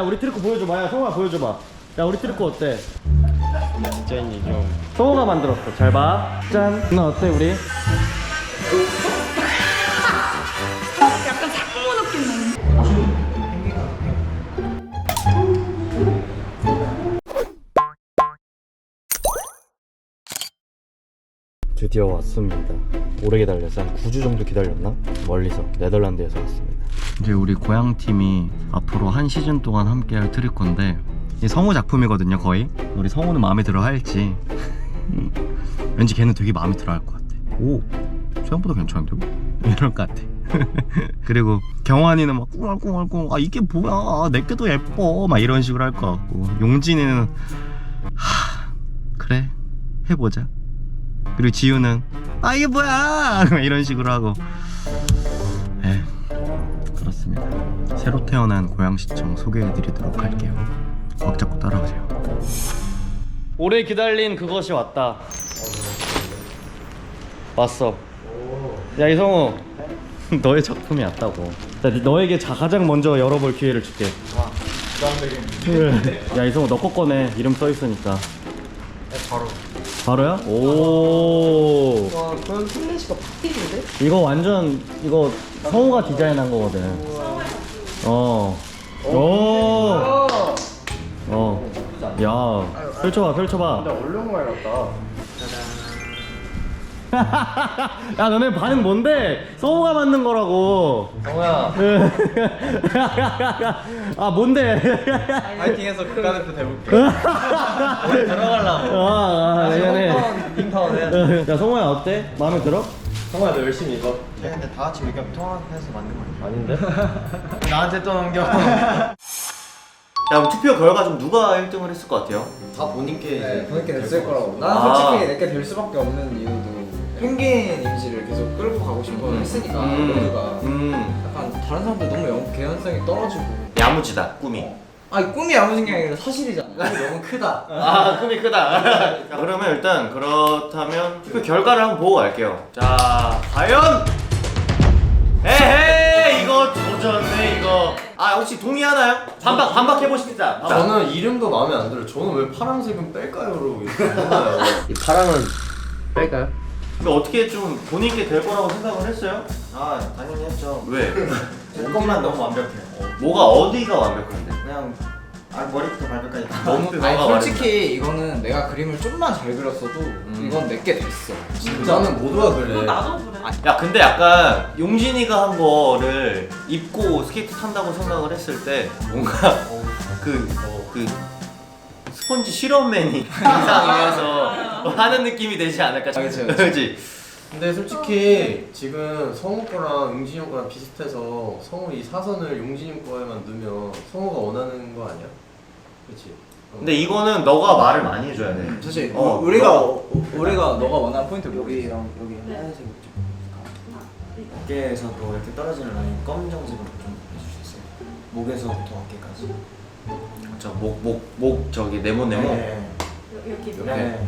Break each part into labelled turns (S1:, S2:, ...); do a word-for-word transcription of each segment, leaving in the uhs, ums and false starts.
S1: 우리 트리코 보여줘봐. 야 성우야 보여줘봐. 야 우리 트리코 어때?
S2: 디자인이 좀
S1: 성우가 만들었어. 잘 봐. 짠. 누나 어때 우리?
S3: 약간 상모 느낌 나네.
S1: 드디어 왔습니다. 오래 기다렸어. 한 구 주 정도 기다렸나? 멀리서 네덜란드에서 왔습니다. 이제 우리 고향팀이 앞으로 한 시즌 동안 함께할 트리코인데 이 성우 작품이거든요 거의. 우리 성우는 마음에 들어 할지 왠지 걔는 되게 마음에 들어 할 것 같아. 오 생각보다 괜찮은데요? 이럴 것 같아. 그리고 경환이는 막 꿍얼꿍얼꿍 아 이게 뭐야 내게 더 예뻐 막 이런 식으로 할 것 같고 용진이는 하 그래 해보자. 그리고 지우는 아 이게 뭐야 이런 식으로 하고 에 그렇습니다. 새로 태어난 고양시청 소개해드리도록 할게요. 꽉 잡고 따라오세요. 오래 기다린 그것이 왔다. 왔어. 야 이성우 너의 작품이 왔다고. 자, 너에게 자, 가장 먼저 열어볼 기회를 줄게. 야 이성우 너 거 꺼내. 이름 써있으니까.
S2: 바로
S1: 바로야? 오.
S2: 와 그런 플래시가 바뀌는데?
S1: 이거 완전 이거 성우가 디자인한 거거든. 어. 오. 어. 야. 펼쳐봐, 펼쳐봐.
S2: 얼룩말 같다.
S1: 야, 너네 반응 뭔데? 성우가 만든 거라고.
S2: 성우야
S1: 아, 뭔데?
S2: 파이팅해서 국가대표 돼볼게. 우리 들어가려고.
S1: 아, 아, 미안해.
S2: 빙파원 해야지.
S1: 야, 성우야 어때? 마음에 들어?
S2: 성우야 너 열심히 읽어. 근데 다 같이 의견 통합해서 만든 거 아닌데? 나한테 또 넘겨.
S1: 야, 그럼 투표 결과 좀 누가 일 등을 했을 것 같아요?
S2: 다 본인께
S4: 네, 본인께 됐을 거라고.
S1: 아.
S4: 나는 솔직히 내게 될 수밖에 없는 이유도 펭귄 이미지를 계속 끌고 가고 싶어
S1: 음.
S4: 했으니까
S1: 음.
S4: 모두가
S1: 음.
S4: 약간 다른 사람들 너무 영, 개연성이 떨어지고
S1: 야무지다, 꿈이.
S4: 아니 꿈이 야무진 게 아니라 사실이잖아. 꿈이 너무 크다.
S1: 아, 꿈이 크다. 자, 그러면 일단 그렇다면 투표 결과를 한번 보고 갈게요. 자, 과연 에헤이 이거 조졌네 이거. 아 혹시 동의하나요? 반박 반박 해보십시다. 반박.
S5: 저는 이름도 마음에 안 들어요. 저는 왜 파란색은 뺄까요로 이렇게 했나요?
S2: 이 파랑은 뺄까요?
S1: 근데 어떻게 좀 본인께 될 거라고 생각을 했어요?
S5: 아 당연히 했죠.
S1: 왜?
S5: 제 것만 너무 완벽해요.
S1: 뭐가 어디가 완벽한데?
S5: 그냥 아 머리부터 발끝까지 다
S1: 너무
S4: 아니
S1: 뭐가
S4: 솔직히 이거는 내가 그림을 좀만 잘 그렸어도 이건 내게 됐어.
S5: 진짜는 모두가 그래.
S3: 나도 그래.
S1: 야 근데 약간 용진이가 한 거를 입고 스케이트 탄다고 생각을 했을 때 뭔가 그, 그 스펀지 실험맨이 이상해서 하는 느낌이 되지 않을까.
S4: 그치,
S1: 그치?
S5: 근데 솔직히 지금 성우 거랑 용진이 형 거랑 비슷해서 성우 이 사선을 용진이 형 거에만 넣으면 성우가 원하는 거 아니야? 그렇지.
S1: 근데 이거는 너가 말을 많이 해줘야 돼.
S4: 사실
S1: 어,
S4: 우리가
S1: 너-
S4: 우리가 너가 원하는 포인트
S6: 여기랑 여기 하얀색 좀 어깨에서도 이렇게 떨어지는 라인 검정색으로 좀 해주셨어요. 목에서부터 어깨까지.
S1: 저목 목 목 저기 네모 네모.
S6: 네.
S3: 여기
S1: 옆에.
S6: 네.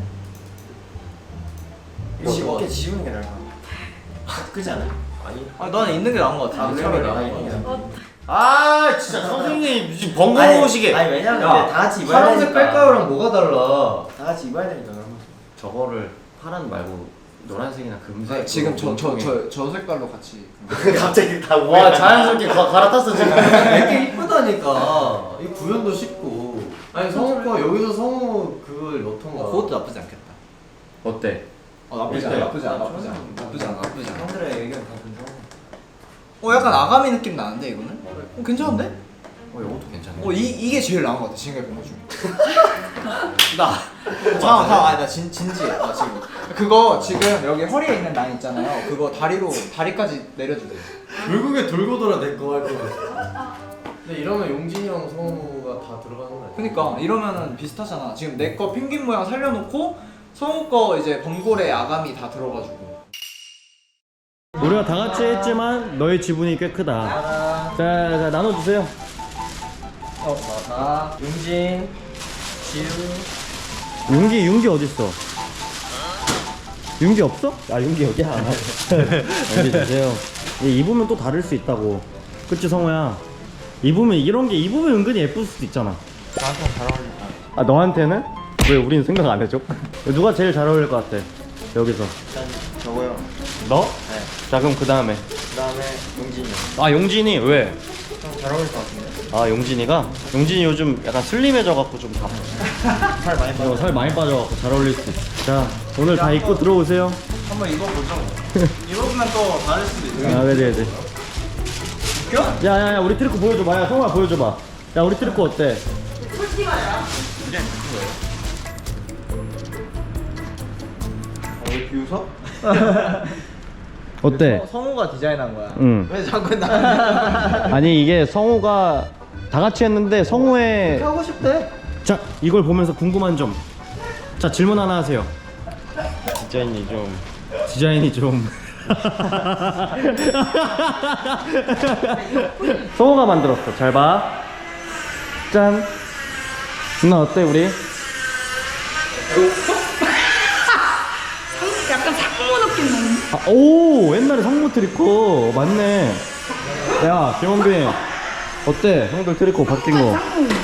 S5: 이거
S6: 지-
S5: 뭐-
S6: 어깨 지우는 게 나아. 그지 않아?
S5: 아니.
S4: 아 너는 있는 게 나은 거 같아.
S6: 아,
S4: 내
S6: 그래?
S4: 차라리
S6: 아,
S4: 나은 거 같아.
S3: 어,
S1: 아 진짜 선생님 무슨 번거로우시게.
S6: 아니 왜냐면
S5: 야,
S6: 근데 다 같이 입어야
S5: 파란색
S6: 되니까.
S5: 뺄까요랑 뭐가 달라?
S6: 다 같이 입어야 되니까 그러면.
S1: 저거를 파란 말고 노란색이나 금색.
S4: 네, 지금 저 저 저 저 색깔로 같이.
S1: 갑자기 다 와 자연스럽게 가, 갈아탔어 지금.
S5: 되게 이쁘다니까. 이 구현도 쉽고. 아니 성우 거 여기서 성우 그걸 넣던가.
S4: 어, 그것도 나쁘지 않겠다.
S1: 어때?
S4: 어 나쁘지 않아. 나쁘지 않아. 나쁘지 않아. 나쁘지 않아. 나쁘지 않아.
S6: 형들의 의견 다 존중하고.
S4: 어 약간 아가미 느낌 나는데 이거는? 어 괜찮은데?
S1: 어 이것도 괜찮네.
S4: 어 이 이게 제일 나은 것 같아 지금까지 본 것 중에.
S1: 나
S4: 잠깐 잠깐 아니 나진 진지해. 아 지금 그거 지금 여기 허리에 있는 라인 있잖아요. 그거 다리로 다리까지 내려주세요.
S5: 결국에 돌고 돌아 내 거 할 거야. 근데 이러면 용진이 형 성우가 다 들어가는 거 아니야?
S4: 그러니까 이러면은 비슷하잖아. 지금 내 거 펭귄 모양 살려놓고 성우 거 이제 범고래 아가미 다 들어가지고.
S1: 우리가 다 같이 했지만 너의 지분이 꽤 크다. 자, 자 나눠주세요.
S6: 어, 나 용진, 지우.
S1: 윤기 윤기 어디 있어? 윤기 없어? 아 윤기 여기야. 여기 주세요. 얘 입으면 또 다를 수 있다고. 그치 성우야? 입으면 이런 게 입으면 은근히 예쁠 수도 있잖아.
S2: 나한테 잘 어울린다.
S1: 아 너한테는? 왜 우린 생각 안 해줘? 누가 제일 잘 어울릴 것 같아? 여기서
S2: 일단 저거요.
S1: 너?
S2: 네.
S1: 자 그럼 그 다음에
S2: 그 다음에 용진이 형.
S1: 아 용진이 왜?
S2: 좀 잘 어울릴 것 같은데?
S1: 아 용진이가? 용진이 요즘 약간 슬림해져갖고 좀 다.
S2: 살 많이
S1: 어, 살 많이 빠져갖고 잘 어울릴 수 있어. 자 오늘 다 입고 들어오세요.
S2: 한번 입어보죠. 입어보면 또 다를 수도 있어요.
S1: 아 그래 그래. 야야야 우리 트리코 보여줘봐. 야 성우야 보여줘봐. 야 우리 트리코 어때?
S2: 왜 비웃어?
S1: 어때?
S4: 성우가 디자인한 거야.
S1: 응.
S2: 왜 자꾸 나
S1: 아니 이게 성우가 다 같이 했는데 성우의
S2: 하고 싶대?
S1: 자 이걸 보면서 궁금한 점. 자 질문 하나 하세요. 디자인이 좀 디자인이 좀 성우가 만들었어. 잘 봐. 짠. 누나 어때 우리?
S3: 약간 상무 느낌 나는.
S1: 아, 오 옛날에 성무 트리코 맞네. 야 김원빈 어때? 형들 트리코 바뀐 거.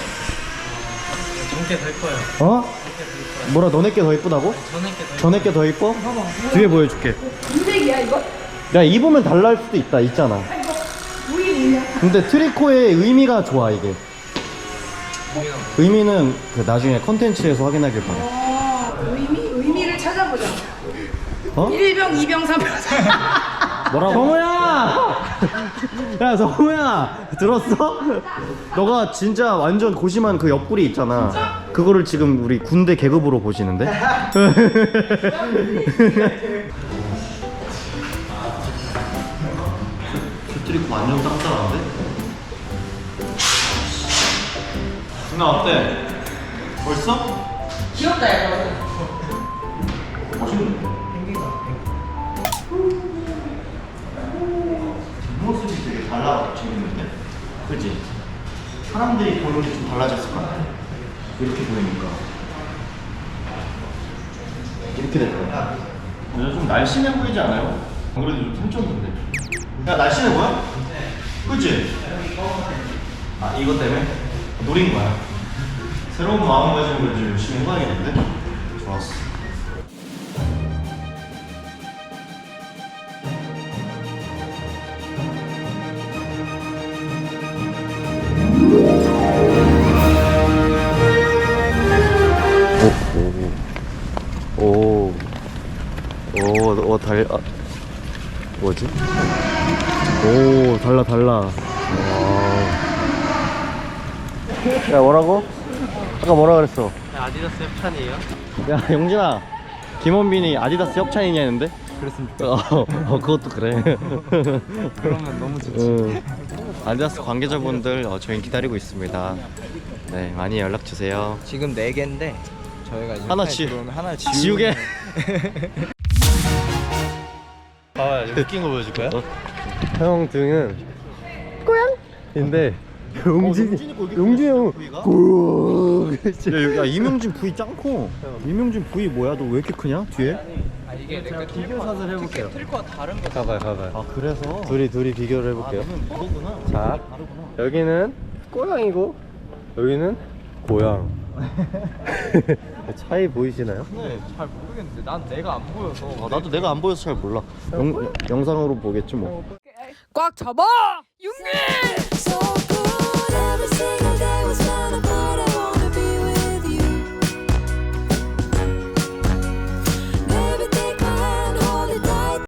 S2: 정게 될 거예요.
S1: 어? 뭐라 너네 게 더 이쁘다고? 전에 게 더 이뻐? 뒤에 보여줄게.
S3: 인색이야 이거?
S1: 야 입으면 달라할 수도 있다 있잖아.
S3: 우리 뭐냐?
S1: 근데 트리코의 의미가 좋아 이게. 의미는 그 나중에 컨텐츠에서 확인하길 바래.
S3: 어, 의미? 의미를 찾아보자.
S1: 어?
S3: 일병, 이병, 삼병.
S1: 뭐라고? 성우야! 야 성우야 들었어? 너가 진짜 완전 고심한 그 옆구리 있잖아. 그거를 지금 우리 군대 계급으로 보시는데? 트리코 완전 짱짱한데? 누나 어때? 벌써?
S3: 귀엽다 이거.
S1: 멋있는데? 뒷모습이 되게 달라 재밌는데? 그치? 사람들이 보는 게 좀 달라졌을 것 같아. 이렇게 보이니까 이렇게 될 거야. 근데 좀 날씬해 보이지 않아요? 안 그래도 좀 훔쳤는데. 야 날씬해 보여? 그치? 아 이것 때문에? 노린 거야. 새로운 마음가짐으로 좀 열심히 해봐야겠는데? 좋았어. 오, 오, 오, 오, 달, 아, 뭐지? 오, 달라, 달라. 와. 야, 뭐라고? 아까 뭐라 그랬어?
S2: 아디다스 협찬이에요?
S1: 야, 용진아, 김원빈이 아디다스 협찬이냐 했는데? 그랬으면 좋겠어. 어, 어, 그것도 그래.
S2: 그러면 너무 좋지.
S1: 응. 아디다스 관계자분들 어, 저희 기다리고 있습니다. 네, 많이 연락 주세요.
S4: 지금 네 개인데 저희가 이제
S1: 하나
S4: 회사에
S1: 지-
S4: 들어오면 하나
S1: 지우개.
S2: 아, 웃긴 거 보여줄 거야?
S1: 형 등은 꼬양인데 용진이 용진이 형 고양. 야, 야 이명진 부위 짱커. 이명진 부위 뭐야? 너 왜 이렇게 크냐? 뒤에?
S4: 아, 이게 내가 비교사를 해볼게요. 트리코가 다른 거.
S1: 가봐요, 가봐요. 아 그래서 둘이 둘이 비교를 해볼게요. 아, 그거구나. 자, 여기는 꼬양이고 여기는 고양. 차이 보이시나요?
S4: 네, 잘 모르겠는데 난 내가 안 보여서.
S1: 아, 나도 내가 안 보여서 잘 몰라. 영, 영상으로 보겠지 뭐.
S3: 꽉 잡아! 윤기!